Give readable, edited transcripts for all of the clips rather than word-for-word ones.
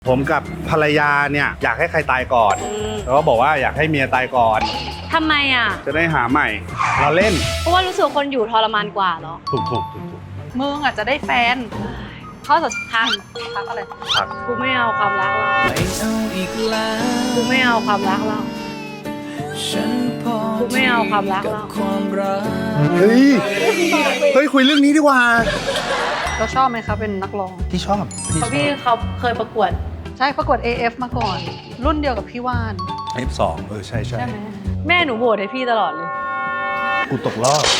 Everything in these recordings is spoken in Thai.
ผมกับภรรยาเนี่ยอยากให้ใครตายก่อนแล้วก็บอกว่าอยากให้เมียตายก่อนทำไมอ่ะจะได้หาใหม่เราเล่นเพราะว่ารู้สึกคนอยู่ทรมานกว่าเหรอถูกมึงอาจจะได้แฟนเขาจะทักอะไรครับกูไม่เอาความรักเรากูไม่เอาความรักเรากูไม่เอาความรักเราเฮ้ยคุยเรื่องนี้ดีกว่าเราชอบไหมคะเป็นนักร้องที่ชอบเพราะพี่เขาเคยประกวดใช่ประกวด AF มาก่อนรุ่นเดียวกับพี่ว่าน F2 ใช่ใช่ไหมแม่หนูโหวตให้พี่ตลอดเลยกูตกรอบ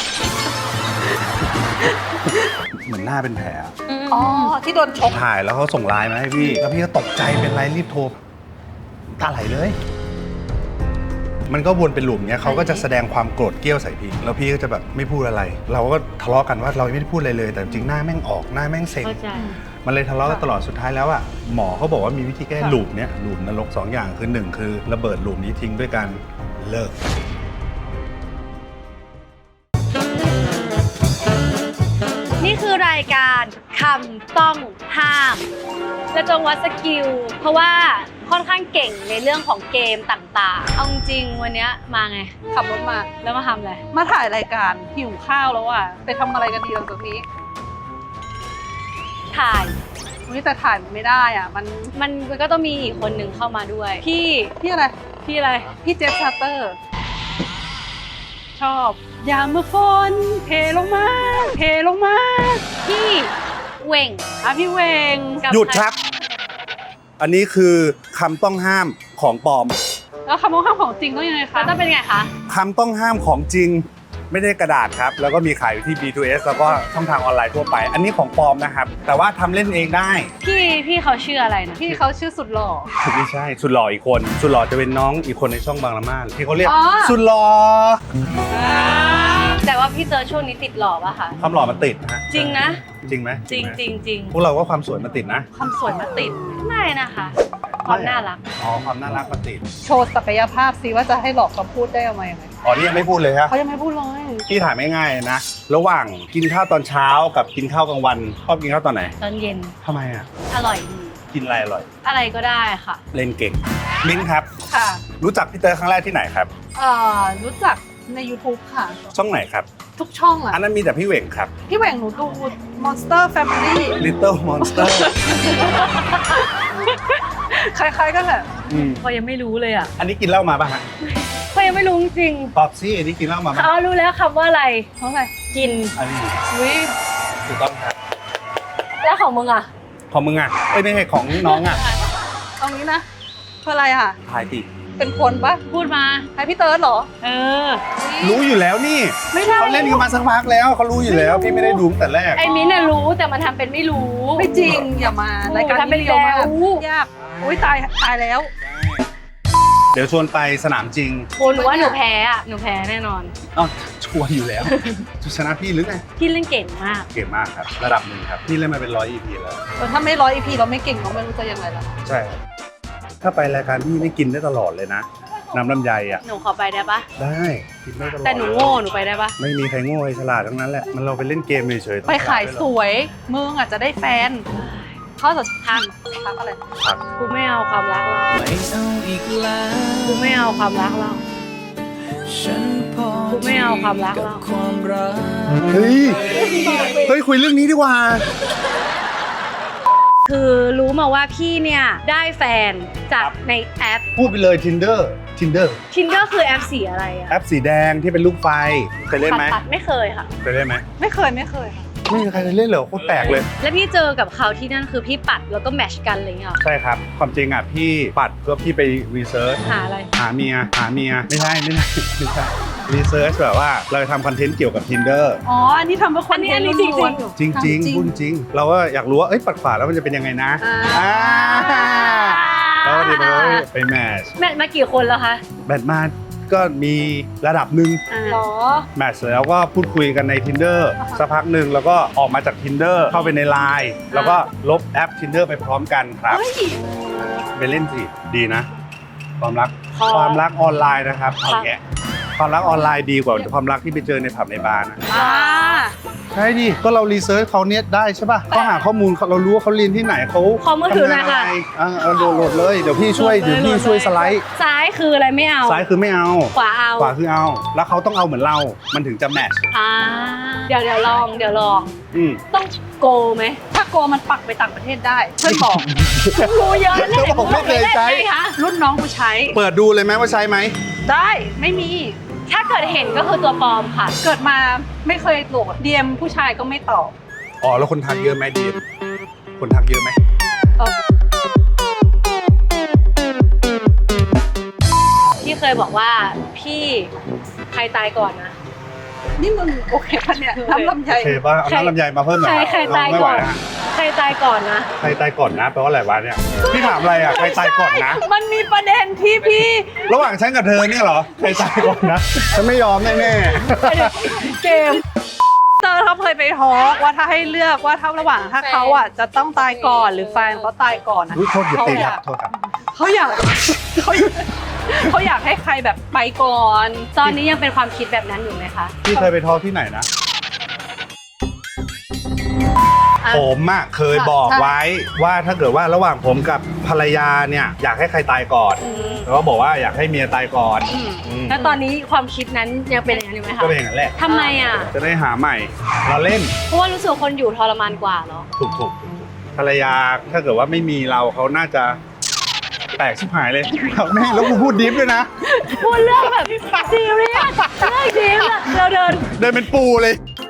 เหมือนหน้าเป็นแผลอ๋อที่โดนชกถ่ายแล้วเขาส่งไลน์มาให้พี่แล้วพี่ก็ตกใจเป็นไรรีบโทรตาไหลเลยมันก็วนเป็นหลุมเนี้ยเขาก็จะแสดงความโกรธเกรี้ยวใส่พี่แล้วพี่ก็จะแบบไม่พูดอะไรเราก็ทะเลาะกันว่าเราไม่ได้พูดอะไรเลยแต่จริงหน้าแม่งออกหน้าแม่งเซ็งมันเลยทะเลาะกันตลอดสุดท้ายแล้วอ่ะหมอเขาบอกว่ามีวิธีแก้หลุมเนี้ยหลุมนรก2อย่างคือ1คือระเบิดหลุมนี้ทิ้งด้วยการเลิกนี่คือรายการคำต้องห้ามและจงวัดสกิลเพราะว่าค่อนข้างเก่งในเรื่องของเกมต่างๆเอาจริงวันนี้มาไงขับรถมาแล้วมาทำอะไรมาถ่ายรายการหิวข้าวแล้วอ่ะไปทำอะไรกันดีหลังจากนี้ถ่ายแต่ถ่ายไม่ได้อ่ะมันก็ต้องมีอีกคนหนึ่งเข้ามาด้วยพี่อะไรพี่เจฟชาร์เตอร์ชอบยามเมื่อฝนเทลงมาพี่เวงพี่เวงหยุดครับอันนี้คือคำต้องห้ามของปลอมแล้วคำต้องห้ามของจริงต้องยังไงคะต้องเป็นไงคะคำต้องห้ามของจริงไม่ได้กระดาษครับแล้วก็มีขายอยู่ที่ B2S แล้วก็ช่องทางออนไลน์ทั่วไปอันนี้ของปลอมนะครับแต่ว่าทำเล่นเองได้พี่เขาชื่ออะไรนะพี่เขาชื่อสุดหล่อไม่ใช่สุดหล่ออีกคนสุดหล่อจะเป็นน้องอีกคนในช่องบางละม่านที่เขาเรียกสุดหล่อแต่ว่าพี่เจอช่วงนี้ติดหล่อป่ะคะความหล่อมันติดฮะจริงนะจริงไหมจริงพวกเราก็ความสวยมันติดนะความสวยมันติดไม่นะคะความน่ารักความน่ารักมันติดโชว์ศักยภาพสิว่าจะให้หลอกคำพูดได้ยังไงนี่ยังไม่พูดเลยครับเขายังไม่พูดเลยพี่ถ่ายไม่ง่ายนะระหว่างกินข้าวตอนเช้ากับกินข้าวกลางวันชอบกินข้าวตอนไหนตอนเย็นทำไมอ่ะอร่อยดีกินอะไรอร่อยอะไรก็ได้ค่ะเล่นเก่งมิ้นครับค่ะรู้จักพี่เตอร์ครั้งแรกที่ไหนครับรู้จักใน YouTube ค่ะช่องไหนครับทุกช่องอ่ะอันนั้นมีแต่พี่เหว่งครับพี่เหว่งหนูดู Monster Family Little Monster คล้ายๆกันแหละพอยังไม่รู้เลยอ่ะอันนี้กินเหล้ามาป่ะฮะพอยังไม่รู้จริงตอบสิอันนี้กินเหล้ามาป่ะรู้แล้วคำว่าอะไรเพราะอะไรกินอันนี้ถูกต้องครับแล้วของมึงอ่ะของมึงอ่ะไม่ใช่ของน้องอ่ะตรงนี้นะเพื่ออะไรอ่ะทายติเป็นคนปะพูดมาให้พี่เติร์ดเหรอรู้อยู่แล้วนี่เขาเล่นกันมาสักพักแล้วเขารู้อยู่แล้วพี่ไม่ได้ดูตั้งแต่แรกไอ้มิ้นท์น่ะรู้แต่มันทำเป็นไม่รู้ไม่จริงอย่ามารายการนี้เร็วมากยากอุ้ยตายแล้วเดี๋ยวชวนไปสนามจริงหนูว่าหนูแพ้แน่นอนชัวร์อยู่แล้วชนะพี่หรือไงพี่เล่นเก่งมากครับระดับหนึ่งครับพี่เล่นมาเป็น100 EP แล้วถ้าไม่100 EP เราไม่เก่งเราไม่รู้จะยังไงล่ะใช่ถ้าไปรายการพี่นี่กินได้ตลอดเลยนะน้ำลำไยอ่ะหนูขอไปได้ปะได้กินได้ตลอดแต่หนูโง่หนูไปได้ปะไม่มีใครโง่ใครฉลาดทั้งนั้นแหละมันเราไปเล่นเกมเฉยๆไปขายสวยมึงอาจจะได้แฟนเขาจะทักอะไรกูไม่เอาความรักเรากูไม่เอาความรักเรากูไม่เอาความรักเราเฮ้ยคุยเรื่องนี้ดีกว่าคือรู้มาว่าพี่เนี่ยได้แฟนจากในแอปพูดไปเลย Tinder คือแอปสีอะไรอะแอปสีแดงที่เป็นลูกไฟเคยเล่นไหมไม่เคยค่ะเคยเล่นไหมไม่เคยค่ะไม่มีใครเล่นเหรอโคตรแปลกเลยแล้วพี่เจอกับเขาที่นั่นคือพี่ปัดแล้วก็แมทช์กันอะไรเงี้ยใช่ครับความจริงอ่ะพี่ปัดเพื่อพี่ไปรีเสิร์ชหาอะไรหาเมียไม่ใช่รีเสิร์ชแบบว่าเราจะทำคอนเทนต์เกี่ยวกับ Tinder อันนี้ทำเพื่อคอนเทนต์จริงพูดจริงเราก็อยากรู้ว่าปัดขวาแล้วมันจะเป็นยังไงนะแล้วเดี๋ยวไปแมทช์มากี่คนแล้วคะแมทช์มาก็มีระดับหนึ่งแมทช์แล้วก็พูดคุยกันใน Tinder สักพักหนึ่งแล้วก็ออกมาจาก Tinder เข้าไปใน LINE แล้วก็ลบแอป Tinder ไปพร้อมกันครับไปเล่นสิดีนะความรักออนไลน์นะครับเอาแกความรักออนไลน์ดีกว่าความรักที่ไปเจอในผับในบาร์นะใช่ดิก็เรารีเสิร์ชเขาเนี่ยได้ใช่ป่ะเขาหาข้อมูลเรารู้ว่าเขาเรียนที่ไหนเขาขอมือถือหน่อยค่ะทำงานอะไรโหลดเลยเดี๋ยวพี่ช่วยสไลด์ซ้ายคืออะไรไม่เอาซ้ายคือไม่เอาขวาเอาขวาคือเอา แล้วเขาต้องเอาเหมือนเรา มันถึงจะแมทช์เดี๋ยวลองอืมต้องโกไหมถ้าโกมันปักไปต่างประเทศได้ เพื่อนบอกรู้เยอะเลยเขาบอกไม่เคยใช้คะรุ่นน้องกูใช้เปิดดูเลยไหมว่าใช้ไหมได้ไม่มีถ้าเกิดเห็นก็คือตัวปลอมค่ะเกิดมาไม่เคยโหลดเดียมผู้ชายก็ไม่ตอบอ๋อแล้วคนทักเยอะไหมดีมคนทักเยอะไหมพี่เคยบอกว่าพี่ใครตายก่อนนะนี่มึงโอเคปะเนี่ยน้ำลำไยโอเคป่ะเอาน้ำลำไยมาเพิ่มหน่อยใครตายไม่ไหก่วอนนะใครตายก่อนนะใครตายก่อนนะแปลว่าอะไรวะเนี่ยพี่ถามอะไรอ่ะใครตายก่อนนะมันมีประเด็นที่พี่ระหว่างฉันกับเธอเนี่ยเหรอใครตายก่อนนะฉันไม่ยอมแน่เกมเตอร์เขาเคยไปทอล์กว่าถ้าให้เลือกว่าถ้าระหว่างถ้าเขาอ่ะจะต้องตายก่อนหรือแฟนเขาตายก่อนนะๆโทษอย่าตีครับโทษครับเขาอยากเขาอยากให้ใครแบบไปก่อนตอนนี้ยังเป็นความคิดแบบนั้นอยู่ไหมคะพี่เคยไปทอล์กที่ไหนนะอ่ะผมอะเคยบอกไว้ว่าถ้าเกิดว่าระหว่างผมกับภรรยาเนี่ยอยากให้ใครตายก่อนอืมแล้วก็บอกว่าอยากให้เมียตายก่อนอืมอืมแล้วตอนนี้ความคิดนั้นยังเป็นอย่างนั้นอยู่ไหมคะก็เป็นอย่างนั้นแหละทำไมอ่ะจะได้หาใหม่เราเล่นเพราะว่ารู้สึกคนอยู่ทรมานกว่าเหรอถูกภรรยาถ้าเกิดว่าไม่มีเราเขาน่าจะแตกชิบหายเลยแม่แล้วกูพูดดิฟด้วยนะพูดเรื่องแบบซีเรียสเรื่องจริงอะเราเดินเดินเป็นปูเลย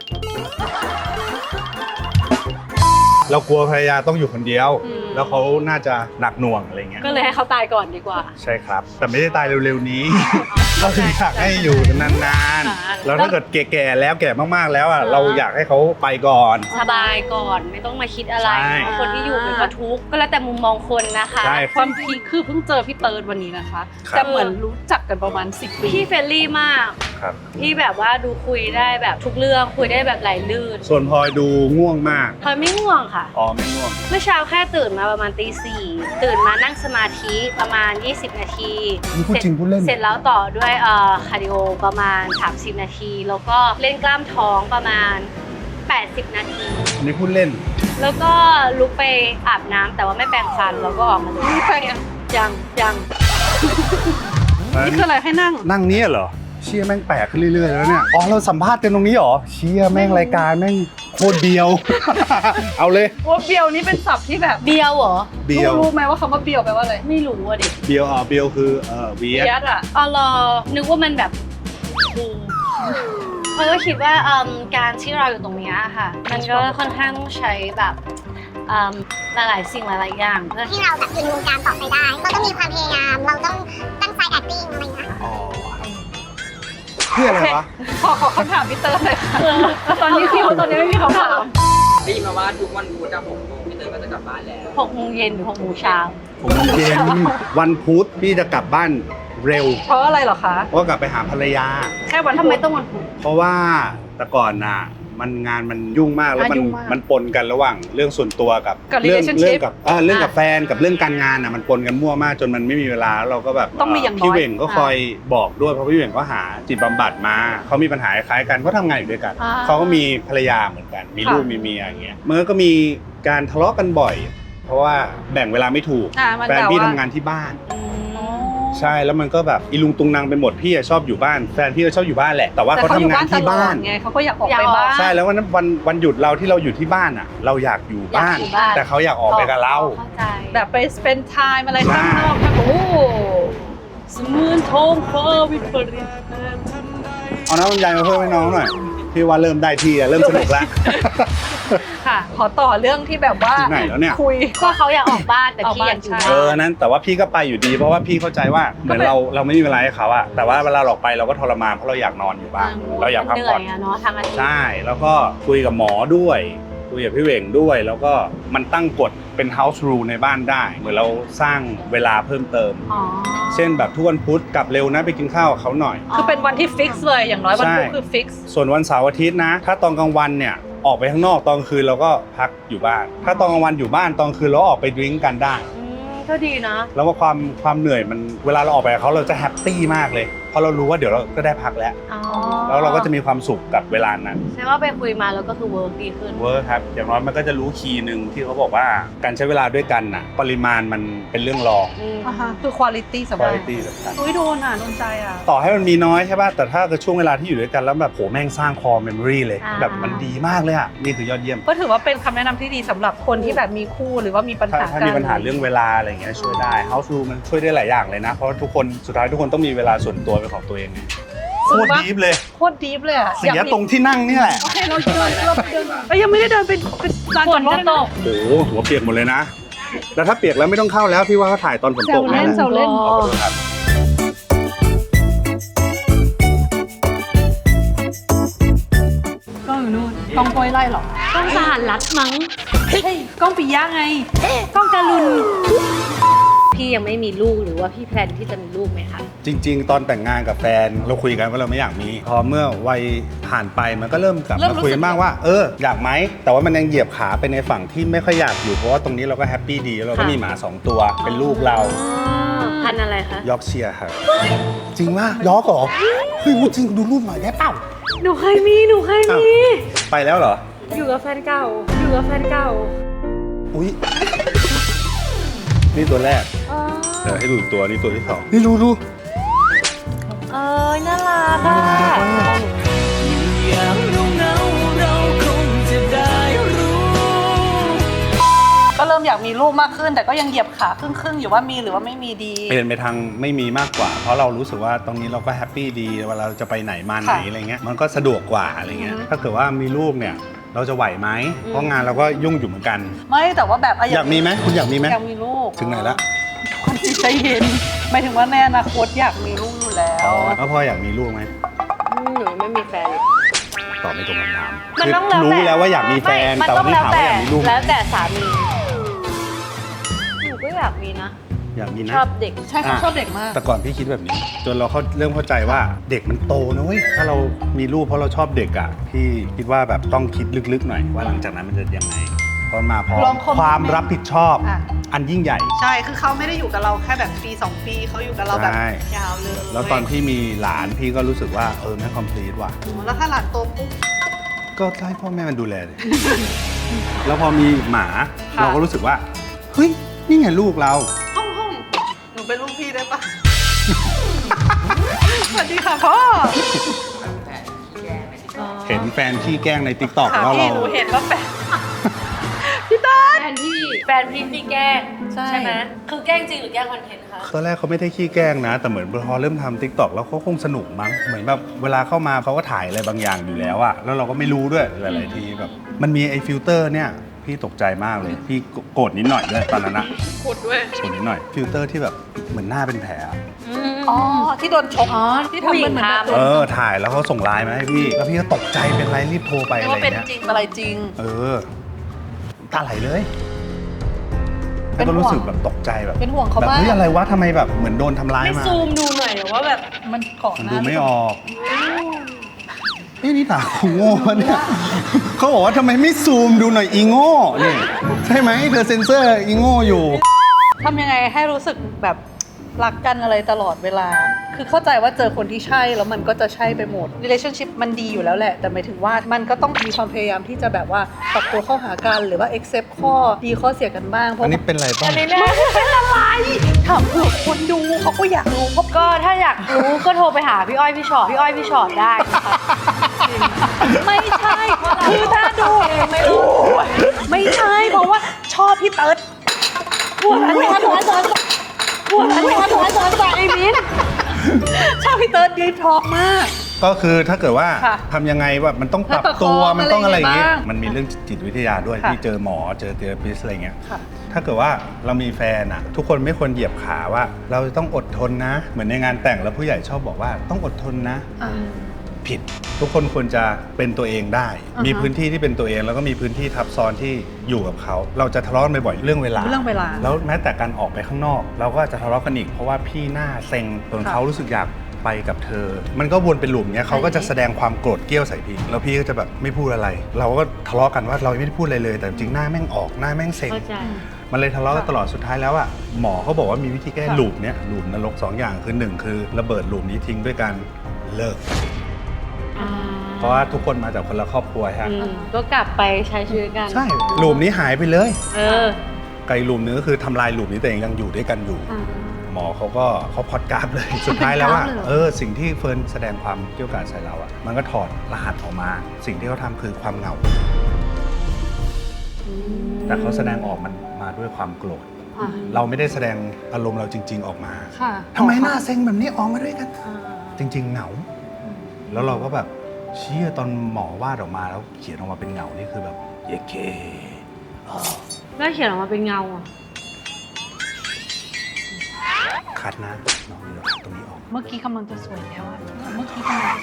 เรากลัวภรรยาต้องอยู่คนเดียว แล้วเขาน่าจะหนักหน่วงอะไรเงี้ยก็เลยให้เขาตายก่อนดีกว่าใช่ครับ แต่ไม่ได้ตายเร็วๆนี้ เราคืออยากให้อยู่นานๆ แล้วถ้าเกิดแก่ๆแล้วแก่มากๆแล้วอ่ะเราอยากให้เขาไปก่อนสบายก่อนไม่ต้องมาคิดอะไรใช่คนที่อยู่มันก็ทุกข์ก็แล้วแต่มุมมองคนนะคะใช่ความพีคคือเพิ่งเจอพี่เติร์ดวันนี้นะคะครับแต่เหมือนรู้จักกันประมาณ10 ปีพี่เฟรนลี่มากครับพี่แบบว่าดูคุยได้แบบทุกเรื่องคุยได้แบบไหลลื่นส่วนพลอยดูง่วงมากพลอยไม่ง่วงค่ะอ๋อไม่ง่วงเมื่อเช้าแค่ตื่นมาประมาณตี 4ตื่นมานั่งสมาธิประมาณ20 นาทีนี่พูดจริงพูดเล่นเสร็จแล้วต่อด้วยคาร์ดิโอประมาณ30 นาที แล้วก็เล่นกล้ามท้องประมาณ80 นาทีอันนี้พูดเล่นแล้วก็ลุกไปอาบน้ำแต่ว่าไม่แปรงฟันแล้วก็ออกมาเลยนี่ไปอ่ะยังนี่คืออะไรให้นั่งนั่งเนี้ยเหรอ เชี่ยแม่งแปลกขึ้นเรื่อยๆแล้วเนี่ย อ๋อเราสัมภาษณ์กันตรงนี้เหรอ เชี่ยแม่งรายการแม่งโคตรเบียว เอาเลยว่าเบียวนี่เป็นศัพท์ที่แบบเบียวเหรอเบียวรู้ไหมว่าคำว่าเบียวแปลว่าอะไรไม่รู้อ่ะดิเบียวเบียวคือเวียดยัดอ่ะอ๋อเหรอนึกว่ามันแบบเพราะก็คิดว่าการที่เราอยู่ตรงเนี้ยค่ะ มันก็ค่อนข้างต้องใช้แบบหลายๆสิ่งหลายๆอย่างเพื่อให้เราแบบยืนวงการต่อไปได้ เราต้องมีความพยายาม เราต้องตั้งใจ acting อะไรอย่างเงี้ยค่ะอ๋อเพื่ออะไรวะขอคำถามพี่เติร์ดเลยค่ะตอนนี้ไม่มีคำถามได้ยินมาว่าทุกวันพุธอะ6 โมงพี่เตยก็จะกลับบ้านแล้ว 6 โมงเย็นหรือ6 โมงเช้าผมเย็นวันพุธพี่จะกลับบ้านเร็วเพราะอะไรเหรอคะเพราะกลับไปหาภรรยาแค่วันทำไมต้องวันพุธเพราะว่าแต่ก่อนน่ะมันงานมันยุ่งมากแล้วมันยุ่งมากมันปนกันระหว่างเรื่องส่วนตัวกับกับเรื่อง relationship กับเรื่องกับแฟนกับเรื่องการงานน่ะมันปนกันมั่วมากจนมันไม่มีเวลาแล้วเราก็แบบต้องมีอย่างน้อยพี่เหว่งก็คอยบอกด้วยเพราะพี่เหว่งก็หาจิตบำบัดมาเขามีปัญหาคล้ายกันเขาทำงานอยู่ด้วยกันอ่าเขาก็มีภรรยาเหมือนกันมีลูกมีเมียอย่างเงี้ยมันก็มีการทะเลาะกันบ่อย เพราะว่าแบ่งเวลาไม่ถูกมันแฟนแบบพี่ว่าทำงานที่บ้านอ๋อใช่แล้วมันก็แบบอีลุงตุงนางไปหมดพี่อะชอบอยู่บ้านแฟนพี่ก็ชอบอยู่บ้านแหละแต่ว่าแต่เขาเขาทำอยู่งาบ้าน นตที่ลอบ้าดนไงเขาก็อยากออกอยากไปออกบ้านใช่แล้ววันหยุดเราที่เราอยู่ที่บ้านอ่ะ เราอยากอยู่บ้านอยากอยู่บ้านแต่เขาอยากออกไปกับเราเข้าใจแบบไป spend time อะไรใช่ข้างนอกโอ้โหสมืนทองฟ้าวิปริตเอาน้ำลำไยมาเพิ่มให้น้องหน่อยพี่ว่าเริ่มได้ที่อะเริ่มสนุกแล้วค่ะ ขอต่อเรื่องที่แบบว่าถึงไหนแล้วเนี่ยคุยก็เขาอยากออกบ้านแต่พี่อยากอยู่ออกบ้านเอบ้านอนั้นแต่ว่าพี่ก็ไปอยู่ดีเพราะว่าพี่เข้าใจว่าเหมือนเราไม่มีเวลาให้เขาอะแต่ว่าเวลาเราออกไปเราก็ทรมานเพราะเราอยากนอนอยู่บ้านเราอยากพักเหนื่ผ่ออนยอะเนาะทางอาทิตย์ใช่แล้วก็คุยกับหมอด้วยคุยกับพี่เหว่งด้วย แล้วก็มันตั้งกฎเป็น house rule ในบ้านได้ เหมือนเราสร้างเวลาเพิ่มเติมอ๋อเช่นแบบทุกวันพุธกลับเร็วนะไปกินข้าวกับเขาหน่อยคือเป็นวันที่ฟิกซ์เลยอย่างน้อยวันพุธใช่คือฟิกซ์ส่วนวันเสาร์อาทิตย์นะ ถ้าตอนกลางวันเนี่ยออกไปข้างนอกตอนกลางคืนเราก็พักอยู่บ้าน ถ้าตอนกลางวันอยู่บ้านตอนกลางคืนเราออกไปดื่มกันได้ก็ดีนะแล้วว่าความเหนื่อยมันเวลาเราออกไปกับเขาเราจะแฮปปี้มากเลยเพราะเรารู้ว่าเดี๋ยวเราก็ได้พักแล้วอ๋อแล้วเราก็จะมีความสุขกับเวลานั้นใช่ว่าไปคุยมาแล้วก็คือเวิร์กดีขึ้นเวิร์คครับอย่างน้อยมันก็จะรู้คีย์หนึ่งที่เขาบอกว่าการใช้เวลาด้วยกันน่ะปริมาณมันเป็นเรื่องรองคือคุณภาพสำคุณคัญภาพสำคัญอุ้ยโดนใจอ่ะต่อให้มันมีน้อยใช่ป่ะแต่ถ้าเกิดช่วงเวลาที่อยู่ด้วยกันแล้วแบบโหแม่งสร้างคอเมมโมรีเลยอ่าแบบมันดีมากเลยอ่ะนี่คือยอดเยี่ยมก็ถือว่าเป็นคำแนะนำที่ดีสำหรับคนที่แบบมีคู่หรือว่ามีปัญถ้าหาถ้ากันมีปัญหาเรื่องเวลาอะไรอย่างเงี้ยช่วยได้ House Rule มันช่วยได้หลายอย่างเลยนะ เพราะว่าทุกคนสุดท้ายทุกคนต้องมีเวลาส่วนตัวเป็นของตัวเองไงโคตรดีฟเลยโคตรดีฟเลยอ่ะเสียตรงที่นั่งนี่แหละโอเคเราเดินยังไม่ได้เดินเป็นลานจอดรถเลยนะโอ้โหหัวเปียกหมดเลยนะแล้วถ้าเปียกแล้วไม่ต้องเข้าแล้วพี่ว่าเขาถ่ายตอนฝนตกแซวเล่นนะแซวเล่นขอโทษครับกล้องอยู่นู่นกล้องโปรยไล่หรอต้องสหัสรัฐมั้งเฮ้ยกล้องปิยะไงกล้องการุณพี่ยังไม่มีลูกหรือว่าพี่แพลนที่จะมีลูกไหมคะจริง ๆ ตอนแต่งงานกับแฟนเราคุยกันว่าเราไม่อยากมีพอเมื่อวัยผ่านไปมันก็เริ่มกลับมาคุยกันบ้างว่าอยากไหมแต่ว่ามันยังเหยียบขาไปในฝั่งที่ไม่ค่อยอยากอยู่เพราะว่าตรงนี้เราก็แฮปปี้ดีเราก็มีหมา2ตัวเป็นลูกเราพันธุ์อะไรคะยอร์กเชียร์ครับจริงว่ายอร์กเหรอเฮ้ยจริงดูรูปหน่อยได้เปล่าหนูเคยมีไปแล้วเหรออยู่กับแฟนเก่าอุ้ยนี่ตัวแรกอ๋อเดี๋ยวให้ดูอีกตัวนี่ตัวที่สองนี่ดูน่ารักอ่ะก็เริ่มอยากมีลูกมากขึ้น แต่ก็ยังเหยียบขาครึ่งๆอยู่ว่ามีหรือว่าไม่มีดีเปลี่ยนไปทางไม่มีมากกว่า เพราะเรารู้สึกว่าตรงนี้เราก็แฮปปี้ดีเวลาเราจะไปไหนมาไหนค่ะอะไรเงี้ยมันก็สะดวกกว่าอะไรเงี้ยถ้าเกิดว่ามีลูกเนี่ยเราจะไหวไหมเพราะงานเราก็ยุ่งอยู่เหมือนกันไม่แต่ว่าแบบอยากมีไหมคุณอยากมีไหมอยากมีลูกถึงไหนละคนจิตใจเย็นหมายถึงว่าในอนาคตอยากมีลูกอยู่แล้วแล้วพ่ออยากมีลูกไหมหนูไม่มีแฟนเลยตอบไม่ตรงคำถามมันต้องคือแล้วแต่รู้แล้วว่าอยากมีแฟนมันแต่ต้ว่าองที่แล้วถามแต่ว่าอยากมีลูกไหมแล้วแต่สามี หนูก็อยากมีนะอยากมีนะชอบเด็กใช่เขาชอบเด็กมากแต่ก่อนพี่คิดแบบนี้ จนเราเริ่มเข้าใจว่าเด็กมันโตนะเว้ยถ้าเรามีลูกเพราะเราชอบเด็กอ่ะพี่คิดว่าแบบต้องคิดลึกๆหน่อยว่าหลังจากนั้นมันจะยังไงเพราะมาพร้อลอมงคอมเมนต์ความรับผิดชอบอ่ะอันยิ่งใหญ่ใช่ คือเขาไม่ได้อยู่กับเราแค่แบบปี2ปีเขาอยู่กับเราแบบใช่ยาวเลยแล้วตอนพี่มีหลานพี่ก็รู้สึกว่าไม่คอมพลีทว่ะแล้วถ้าหลานโตปุ๊บก็ให้พ่อแม่มันดูแลเลย แล้วพอมีหมาค่ะเราก็รู้สึกว่าเฮ้ยนี่ไงลูกเราห้องหนูเป็นลูกพี่ได้ปะ สวัสดีค่ะพ่อเห็นแฟนขี้แกล้งในติ๊กต็อกค่ะแล้วพี่เราหนูเห็นว่าแฟนพี่ต้นแฟนพี่แกล้งใช่ไหมคือแกล้งจริงหรือแกล้งคอนเทนต์คะตอนแรกเขาไม่ได้ขี้แกล้งนะ แต่เหมือนพอเริ่มทำ t ิ k t o k แล้วเขาคงสนุกมั้งเหมือนแบบเวลาเข้ามาเขาก็ถ่ายอะไรบางอย่างอยู่แล้วอะแล้วเราก็ไม่รู้ด้วยหลายๆทีแบบมันมีไอ้ฟิลเตอร์เนี่ยพี่ตกใจมากเลย พี่โกรธนิดหน่อยด้วยตอนนั้นนะกดด้วยโกรธนิดหน่อยฟิลเตอร์ที่แบบเหมือนหน้าเป็นแผลอะอ๋อ ที่โดนชกอ๋อที่ทำมันเหมือนแบบผู้หญิงทำถ่ายแล้วเขาส่งไลน์มาให้พี่แล้วพี่ก็ตกใจเป็นไรรีบโทรไปเรียอะกไรว่าเป็นเงี้ยจริงอะไรจริงตาไหลเลยเป็แล้วนห่วงก็รู้สึกแบบตกใจแบบเป็นห่วงเขาแบบมากเฮ้ยอะไรวะทำไมแบบเหมือนโดนทำร้ายไม่มาซูมดูหน่อยเหรอว่าแบบมันเกาะมันหดูน้าไม่ออกนี่ตากูโง่ปะเนี่ยเขาบอกว่าทำไมไม่ซูมดูหน่อยอีโง่นี่ใช่ไหมเธอเซ็นเซอร์อีโง่อยู่ทำยังไงให้รู้สึกแบบรักกันอะไรตลอดเวลา คือเข้าใจว่าเจอคนที่ใช่แล้วมันก็จะใช่ไปหมด relationship มันดีอยู่แล้วแหละ แต่หมายถึงว่ามันก็ต้องมีความพยายามที่จะแบบว่าปรับตัวเข้าหากันหรือว่า accept ข้อดีข้อเสียกันบ้าง เพอัราะนนี้เป็นไรบ้างอันนี้เนี่ยเป็นอะไรถามเผื่อคนดูเขาก็อยากรู้เพราะก็ถ้าอยากรู้ก็โทรไปหาพี่อ้อยพี่ชอตได้นะคะจริงไม่ใช่เพราะเราคือถ้าดูไม่รู้ไม่ใช่เพราะว่าชอบพี่เติร์ดพูดอะไรไอ้มิ้นชอบพี่เติร์ดดีทอล์กมากก็คือถ้าเกิดว่าค่ะทำยังไงว่ามันต้องปรับให้ประคตัองวมันต้องอะไรอย่างเงี้ยอะไรบ้างมันมีเรื่องจิตวิทยาด้วยค่ะที่เจอหมอเจอเทอราปิสอะไรเงี้ยค่ะถ้าเกิดว่าเรามีแฟนอะทุกคนไม่ควรเหยียบขาว่า เราจะต้องอดทนนะ เหมือนในงานแต่งแล้วผู้ใหญ่ชอบบอกว่าต้องอดทนนะ ผิดทุกคนควรจะเป็นตัวเองได้อ่าฮะมีพื้นที่ที่เป็นตัวเองแล้วก็มีพื้นที่ทับซ้อนที่อยู่กับเขาเราจะทะเลาะกันบ่อยๆเรื่องเวลาเรื่องเวลาแล้วแม้แต่การออกไปข้างนอก เราก็จะทะเลาะกันอีกเพราะว่าพี่หน้าเซ็งจนค่ะเขารู้สึกอยากไปกับเธอ มันก็วนเป็นหลุมเนี้ยเขาก็จะแสดงความโกรธเกรี้ยวใส่พี่แล้วพี่ก็จะแบบไม่พูดอะไร เราก็ทะเลาะกันว่าเราไม่ได้พูดอะไรเลย แต่จริงๆหน้าแม่งออกหน้าแม่งเซ็งเข้าใจมันเลยทะเลาะกันตลอดสุดท้ายแล้วอ่ะหมอเขาบอกว่ามีวิธีแก้ลูปเนี้ยลูปนรก2อย่างคือ1คือระเบิดลูปนี้ทิ้งด้วยการเลิก เพราะว่าทุกคนมาจากคนละครอบครัวฮะก็กลับไปใช้ชีวิตกันใช่ลูปนี้หายไปเลยเไกลลูปนึงก็คือทำลายลูปนี้แต่ยังอยู่ด้วยกันอยู่ หมอเขาพอดกราฟเลย สุดท้ายแล้วว่าสิ่งที่เฟิร์นแสดงความเกี่ยวกาดใส่เราอ่ะมันก็ถอดรหัสออกมา สิ่งที่เขาทำคือความเหงา แต่เขาแสดงออกมันมาด้วยความโกรธ เราไม่ได้แสดงอารมณ์เราจริง ๆออกมา ทำไมหน้าเซ็งแบบนี้ออกมาด้วยกัน จริง ๆเหงา แล้วเราก็แบบเชี่ยตอนหมอวาดออกมาแล้วเขียนออกมาเป็นเหงานี่คือแบบเยเคแล้วเขียนออกมาเป็นเงาอ่ะคัดนะน้องเดี๋ยวตรงนี้ออกเมื่อกี้กำลังจะสวยแล้วอะเมื่อกี้กำลัง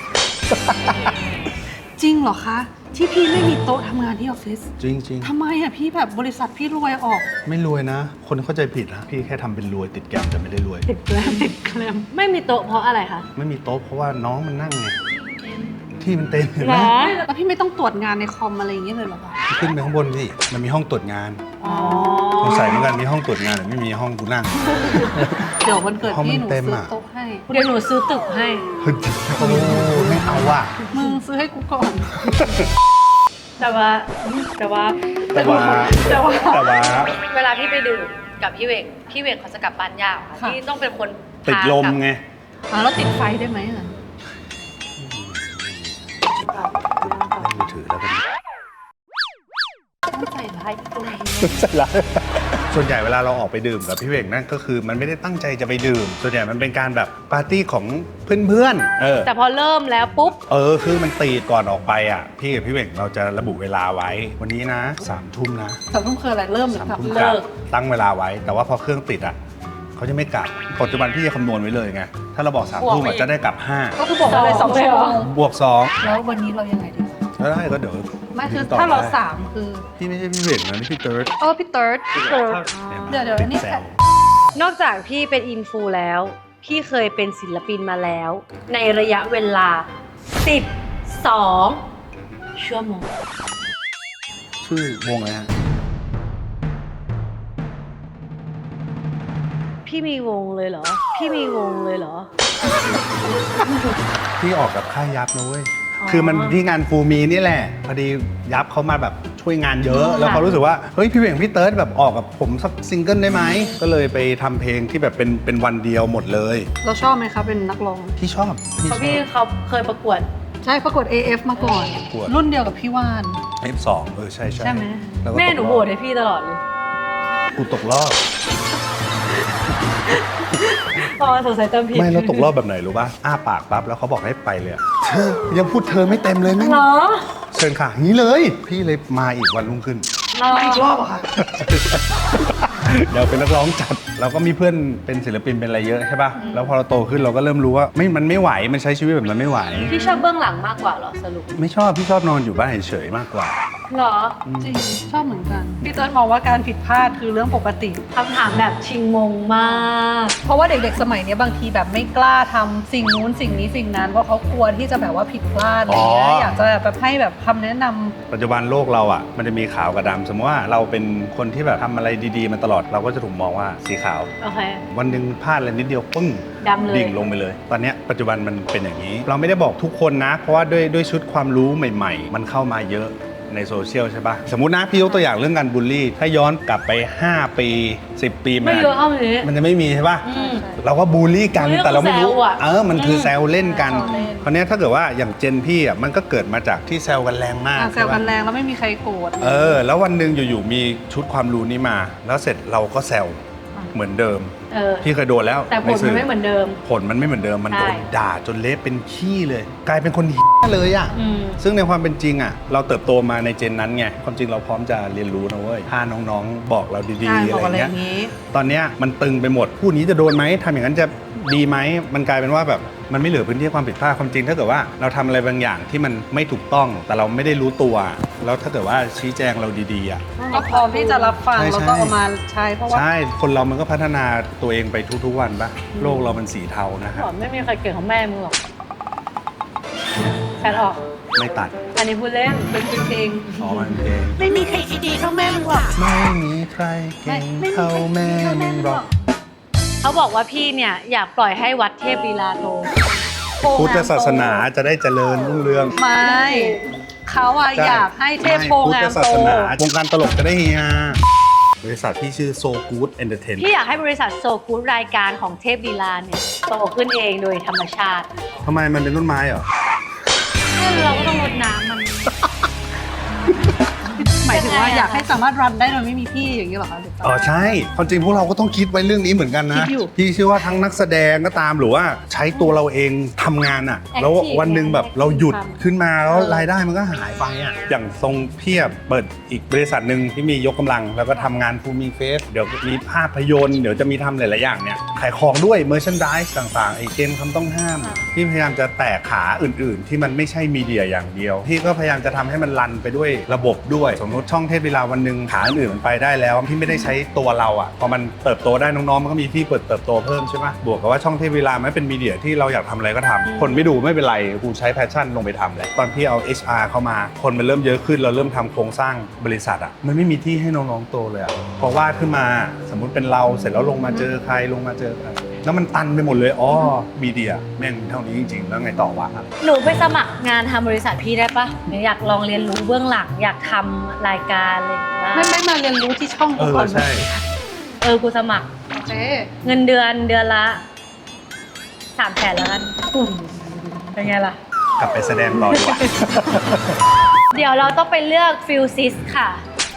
จริงเหรอคะ ที่พี่ไม่มีโต๊ะทำงานที่ออฟฟิศจริงทำไมอะพี่แบบบริษัทพี่รวยออกๆ ไม่รวยนะ คนเข้าใจผิดนะพี่แค่ทำเป็นรวยติดแกรมแต่ไม่ได้รวยติดแกลมติดแกลมไม่มีโต๊ะเพราะอะไรคะไม่มีโต๊ะเพราะว่าน้องมันนั่งไงที่มันเต็มเห็นไหหมรอแล้วพี่ไม่ต้องตรวจงานในคอมอะไรอย่างเงี้ยเลยเหรอคะขึ้นไปข้างบนสิมันมีห้องตรวจงานอ๋อสงสัยเหมือนกันมีห้องตรวจงานแต่ไม่มีห้องกูนั่งเดี๋ยววันเกิดห้องมันพี่หนูเต็มซื้ออะโต๊ะให้เดี๋ยวหนูซื้อตึกให้เฮ้ยโอ้ไม่เอาว่ะมึงซื้อให้กูก่อนแต่ว่าแต่ว่าเวลาพี่ไปดื่มกับพี่เวกเขาจะกลับบ้านยากค่ะพี่ต้องเป็นคนติดลมไงแล้วติดไฟได้ไหมอะเล่นมือถือแล้วกันต้องใส่ร้ายตัวเองใช่แล้วส่วนใหญ่เวลาเราออกไปดื่มกับพี่เวกนั่นก็คือมันไม่ได้ตั้งใจจะไปดื่ม ส่วนใหญ่มันเป็นการแบบปาร์ตี้ของเพื่อนๆแต่พอเริ่มแล้วปุ๊บคือมันตีก่อนออกไปอ่ะพี่กับพี่เวกเราจะระบุเวลาไว้ วันนี้นะ3 ทุ่มนะแต่ต้องเคยอะไรเริ่มหรือ 3 กลับทุ่มเลิกลับกตั้งเวลาไว้ แต่ว่าพอเครื่องติดอ่ะเขาจะไม่กลับปัจจุบันพี่จะคำนวณไว้เลยไงถ้าเราบอก3 ทุ่มจะได้กลับก็คือบอกว่าเลย2 ชั่วโมง 5 บวกแล้ววันนี้เรายังไงดี 2แล้วได้ก็เดี๋ยวไม่คือต่ถ้าเราได้ 3 คือพี่ไม่ใช่พี่เวกนะนี่พี่เติร์ดพี่เติร์ดเดี๋ยวอันนี้แซวนอกจากพี่เป็นอินฟูแล้ว พี่เคยเป็นศิลปินมาแล้ว ในระยะเวลา 12 ชั่วโมงชื่อวงอะไรฮะพี่มีวงเลยเหรอพี่ออกกับค่ายยับนะเว้ย คือมันที่งานฟูมีนี่แหละ พอดียับเขามาแบบช่วยงานเยอะ แล้วเขารู้สึกว่า เฮ้ยพี่เวงพี่เติร์ดแบบออกกับผมสักซิงเกิลได้ไหม ก็เลยไปทำเพลงที่แบบเป็นวันเดียวหมดเลยเราชอบไหมคะเป็นนักร้องพี่ชอบเพราะพี่เขาเคยประกวดใช่ประกวด AF มาก่อนประกวดรุ่นเดียวกับพี่ว่าน F2 ใช่ใช่ไหมล้วก็แม่หนูตกรโหอบวตให้พี่ตลอดเลยกูตกรอบพอสงสัยเติมผิดไม่แล้วตกรอบแบบไหนรู้ป่ะ อ้าปากปั๊บแล้วเขาบอกให้ไปเลยอะเธอยังพูดเธอไม่เต็มเลยแม่งเหรอเชิญค่ะงี้เลย พี่เลยมาอีกวันรุ่งขึ้นอีกรอบอะค่ะเดี๋ยวเป็นนักร้องจัดเราก็มีเพื่อนเป็นศิลปินเป็นอะไรเยอะใช่ป่ะ แล้วพอเราโตขึ้นเราก็เริ่มรู้ว่ามันไม่ไหว มันใช้ชีวิตแบบนั้นไม่ไหวพี่ชอบเบื้องหลังมากกว่าเหรอสรุปไม่ชอบ พี่ชอบนอนอยู่บ้านเฉยๆมากกว่าเหรอจริงชอบเหมือนกัน พี่เติร์ดมองว่าการผิดพลาดคือเรื่องปกติคำถามแบบชิงมงมากเพราะว่าเด็กๆสมัยนี้บางทีแบบไม่กล้าทำสิ่งนู้นสิ่งนี้สิ่งนั้นเพราะเขากลัวที่จะแบบว่าผิดพลาดอะไรเงี้ยอยากจะแบบให้แบบคำแนะนำปัจจุบันโลกเราอ่ะมันจะมีขาวกับดำสมมติว่าเราเป็นคนที่แบบทำอะไรดีๆมาตลอดเราก็จะถูกมองว่าสีขาวโอเควันหนึ่งพลาดอะไรนิดเดียวปึ้งดำเลยดิ่งลงไปเลย ตอนเนี้ยปัจจุบันมันเป็นอย่างนี้ เราไม่ได้บอกทุกคนนะ เพราะว่าด้วยชุดความรู้ใหม่ๆ มันเข้ามาเยอะในโซเชียลใช่ปะสมมุตินะพี่ยกตัวอย่างเรื่องการบูลลี่ ถ้าย้อนกลับไป 5 ปี 10 ปีไม่เยอะเท่านี้มันจะไม่มีใช่ปะอืมเราก็บูลลี่กันบูลลี่แต่เราไม่รู้คือแซวอะมันคือแซวเล่นกันแซวเล่นคราวเนี้ยถ้าเกิดว่าอย่างเจนพี่อ่ะมันก็เกิดมาจากที่แซวกันแรงมากแซวกันแรงแล้วไม่มีใครโกรธแล้ววันหนึ่งอยู่ๆมีชุดความรู้นี้มา แล้วเสร็จเราก็แซวเหมือนเดิม พี่เคยโดนแล้วแต่ผลมันไม่เหมือนเดิมผลมันไม่เหมือนเดิมมันโดนใช่ด่าจนเละเป็นขี้เลย กลายเป็นคนเลยอ่ะอืมซึ่งในความเป็นจริงอ่ะเราเติบโตมาในเจนนั้นไงความจริงเราพร้อมจะเรียนรู้นะเว้ยถ้าน้องๆบอกเราดีๆบอกอะไรอะไรอเงี้ยย่างนี้ตอนเนี้ยมันตึงไปหมดพูดนี้จะโดนไหมทำอย่างนั้นจะดีไหมมันกลายเป็นว่าแบบมันไม่เหลือพื้นที่ให้ความผิดพลาดความจริงถ้าเกิดว่าเราทำอะไรบางอย่างที่มันไม่ถูกต้อง แต่เราไม่ได้รู้ตัว แล้วถ้าเกิดว่าชี้แจงเราดีๆอ่ะก็พร้อมที่จะรับฟังใช่แล้วก็เอามาใช้เพราะว่าใช่คนเรามันก็พัฒนาตัวเองไปทุกๆวันปะโลกเรามันสีเทานะครับไม่มีใครเก่งของแม่มึงหรอกแฟนออกไม่ตัดอันนี้พูดเล่นเป็นเพลงอ๋อมันเพลงไม่มีใครดีเท่าแม่มึงหรอกไม่มีใครเก่งเท่าแม่มึงหรอกเขาบอกว่าพี่เนี่ยอยากปล่อยให้วัดเทพลีลาโตพุทธศาสนาจะได้เจริญรุ่งเรืองไม่เขาอะอยากให้เทพโพพุทงาธมศาโตสนาวงการตลกจะได้เฮียบริษัทที่ชื่อ So Good Entertainment พี่อยากให้บริษัทโซกูดรายการของเทพลีลาเนี่ยโตขึ้นเองโดยธรรมชาติทำไมมันเป็นต้นไม้เหรอเราก็ต้องรดน้ำมันหมายถึงว่าอยากให้สามารถรันได้โดยไม่มีพี่อย่างนี้เหรอคะหรือเปล่าอ๋อใช่ความจริงพวกเราก็ต้องคิดไว้เรื่องนี้เหมือนกันคินะดอยู่พี่เชื่อว่าทั้งนักแสดงก็ตามหรือว่าใช้ตัวเราเองทำงานอ่ะ Active แล้ววันหนึ่งแบบเราหยุด Active ขึ้นมาแล้วรายได้มันก็หายไปอ่ะอย่างทรงเพียบเปิดอีกบริษัทหนึ่งที่มียกกำลัง แล้วก็ทำงานฟูมิเฟสเดี๋ยวมีภาพยนตร์เดี๋ยวจะมีทำหลายๆอย่างเนี่ยขายของด้วยเมอร์ชันดิสต่างๆไอเกมคำต้องห้ามพี่พยายามจะแตกขาอื่นๆ ที่มันไม่ใช่มีเดียอย่างเดียวพี่ก็พยายามจะทำให้มันรันไปด้วยระบบด้วยสมมติช่องเทพเวลาวันหนึ่งขาอื่นมันไปได้แล้วที่ไม่ได้ใช้ตัวเราอ่ะพอมันเติบโตได้น้องๆมันก็มีที่เติบโตเพิ่มใช่ไหมบวกกับว่าช่องเทพเวลามันเป็นมีเดียที่เราอยากทำอะไรก็ทำคนไม่ดูไม่เป็นไรกูใช้แพชชั่นลงไปทำเลยตอนพี่เอา HR เข้ามาคนมันเริ่มเยอะขึ้นเราเริ่มทำโครงสร้างบริษัทอ่ะมันไม่มีที่ให้น้องๆโตเลยอ่ะพอวาดขึ้นมาสมมุติเป็นเราเสร็จแล้วลงมาเจอใครลงมาเจอใครแล้วมันตันไปหมดเลยอ๋อมีเดียแม่งเท่านี้จริงๆแล้วไงต่อวะหนูไปสมัครงานทำบริษัทพี่ได้ปะหนูอยากลองเรียนรู้เบื้องหลังอยากทำรายการอะไรอย่างเงี้ยไม่มาเรียนรู้ที่ช่องกูก่อนไหมใช่กูสมัครโอเคเงินเดือนละ300,000แล้วกันเป็นไงล่ะกลับไปแสดงต่อดีกว่าเดี๋ยวเราต้องไปเลือกฟิลซิสค่ะ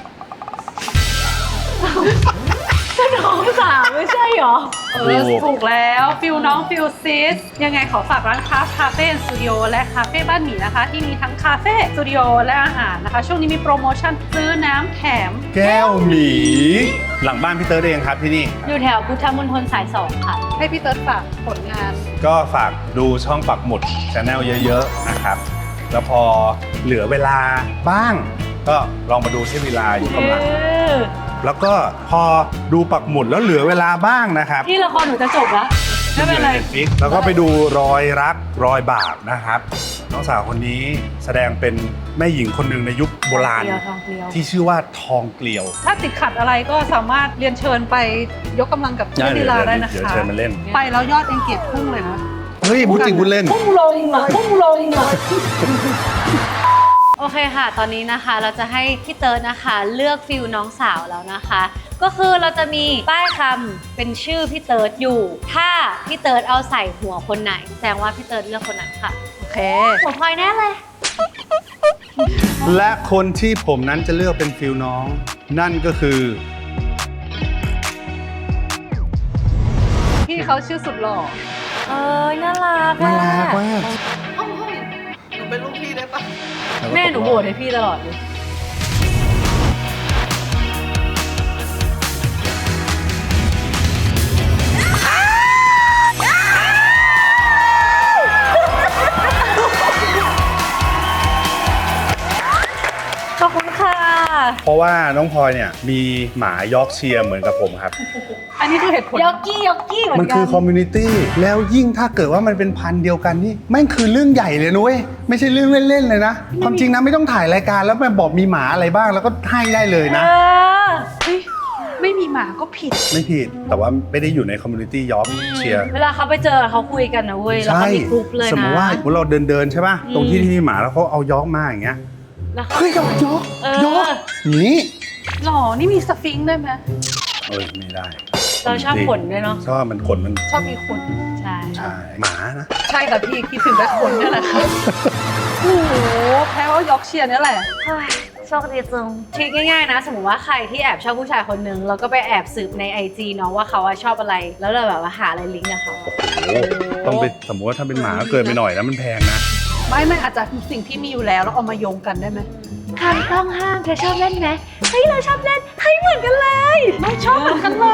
ก็น้องสาวไม่ใช่หรอถูกแล้วฟิลน้องฟิลซิสยังไงขอฝากร้านคาเฟ่สตูดิโอและคาเฟ่บ้านหมีนะคะ ที่มีทั้งคาเฟ่สตูดิโอและอาหารนะคะ ช่วงนี้มีโปรโมชั่นซื้อน้ำแถมแก้วหมีหลังบ้านพี่เติร์ดเองครับที่นี่อยู่แถวพุทธมณฑลสาย 2 ค่ะให้พี่เติร์ดฝากผลงานก็ฝากดูช่องปักหมุดชาแนลเยอะๆนะครับ แล้วพอเหลือเวลาบ้าง ก็ลองมาดูที่เวลาอยู่กำลัง แล้วก็พอดูปักหมุดแล้วเหลือเวลาบ้างนะครับที่ละครหนูจะจบแล้วไม่เป็นไร Netflix แล้วก็ไปดูรอยรักรอยบาปนะครับ น้องสาวคนนี้แสดงเป็นแม่หญิงคนหนึ่งในยุคโบราณทองเกลียวที่ชื่อว่าทองเกลียวถ้าติดขัดอะไรก็สามารถเรียนเชิญไปยกกำลังกับเพื่อนลีลาได้นะคะเดี๋ยวเชิญมาเล่นไปแล้วยอดเองเกียรติพุ่งเลยนะเฮ้ยพูดจริงพูดเล่นพุ่งลงเหรอพุ่งลงเหรอโอเคค่ะ ตอนนี้นะคะเราจะให้พี่เติร์ดนะคะเลือกฟิลน้องสาวแล้วนะคะ ก็คือเราจะมีป้ายคำเป็นชื่อพี่เติร์ดอยู่ ถ้าพี่เติร์ดเอาใส่หัวคนไหนแสดงว่าพี่เติร์ดเลือกคนนั้นค่ะโอเคหัวพลอยแน่เลยและคนที่ผมนั้นจะเลือกเป็นฟิลน้อง นั่นก็คือพี่เขาชื่อสุดหล่อน่ารักน่ารักมากหนูเป็นลูกพี่ได้ปะแม่หนูโบดให้พี่ตลอดเลย ขอบคุณค่ะเพราะว่าน้องพลอยเนี่ยมีหมายอร์กเชียร์เหมือนกับผมครับอันนี้คือเหตุผลยอกกี้เหมือนกันมันคือคอมมูนิตี้แล้วยิ่งถ้าเกิดว่ามันเป็นพันธุ์เดียวกันนี่แม่งคือเรื่องใหญ่เลยนุ้ยไม่ใช่เรื่องเล่นๆเลยนะ ความจริงนะไม่ต้องถ่ายรายการแล้วมาบอกมีหมาอะไรบ้างแล้วก็ให้ได้เลยนะเฮ้ยไม่มีหมาก็ผิดไม่ผิดแต่ว่าไม่ได้อยู่ในคอมมูนิตี้ยอร์กเชียร์เวลาเขาไปเจอเขาคุยกันนะเว้ย แล้วใช่เขามีกรุ๊ปเลยนะสมมติว่าเราเดินใช่ป่ะตรงที่ที่มีหมาแล้วเขาเอายอร์กมาอย่างเงี้ยแล้วเขาเฮ้ยยอร์กเออยอร์กอย่างนี้หล่อ นี่มีสฟิงค์ได้ไหมเอ้ยไม่ได้เราชอบขนด้วยเนาะชอบมันขนมันชอบมีขนใช่ใช่หมานะใช่ค่ะพี่คิดถึงแต่ขนเนี่ยแหละค่ะโอ้โหแพ้ว่ายอร์กเชียร์เนี่ยแหละเฮ้ยโชคดีจังคิดง่ายๆนะ สมมติว่าใครที่แอบชอบผู้ชายคนหนึ่งแล้วก็ไปแอบสืบใน IG เนาะว่าเขาอะชอบอะไร แล้วเราแบบว่าหาอะไรลิงก์กับเขาอะโอ้ต้องไปสมมติว่าถ้าเป็นหมาก็เกินไปหน่อยนะมันแพงนะไม่อาจจะสิ่งที่มีอยู่แล้วเอามาโยงกันได้ไหมคำต้องห้ามเธอชอบเล่นไหมเฮ้ยเราชอบเล่นเฮ้ยเหมือนกันเลยไม่ชอบเหมือนกันเลย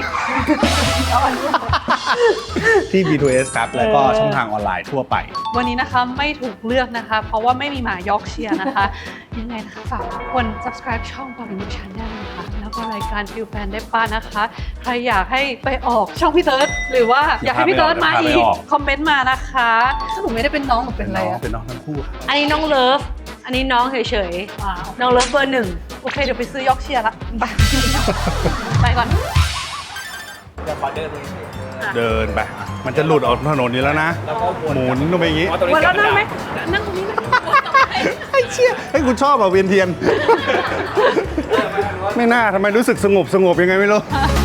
ที่ B2S ครับ แล้วก็ช่องทางออนไลน์ทั่วไปวันนี้นะคะไม่ถูกเลือกนะคะ เพราะว่าไม่มีหมายอร์กเชียร์นะคะ ยังไงนะคะฝากทุกคน subscribe ช่อง Bobby Channel นะคะแล้วว่ารายการฟิลแฟนได้ป้านะคะ ใครอยากให้ไปออกช่องพี่เติร์ดหรือว่าอยากให้พี่เติร์ดมาอีกคอมเมนต์มานะคะถ้าหนูไม่ได้เป็นน้องหนูเป็นอะไรอะเป็นน้องทั้งคู่อันนี้น้องเลิฟ อันนี้น้องเฉยว้าวๆ น้องเลิฟเบอร์หนึ่งโอเคเดี๋ยวไปซื้อยอกเชียร์ละไปไปก่อนเดี๋ยวขอเดินไปเดินไป มันจะหลุดออกถนนนี้แล้วนะแล้วก็วนหมุนลงไปอย่างงี้อ๋อตรงนี้วันแล้วเสียนั่งไหมเวลานั่งตรงนี้ไหมไอ้เชี่ยให้กูชอบอ่ะเวียนเทียน ไม่น่าทำไมรู้สึกสงบยังไงไม่รู้เ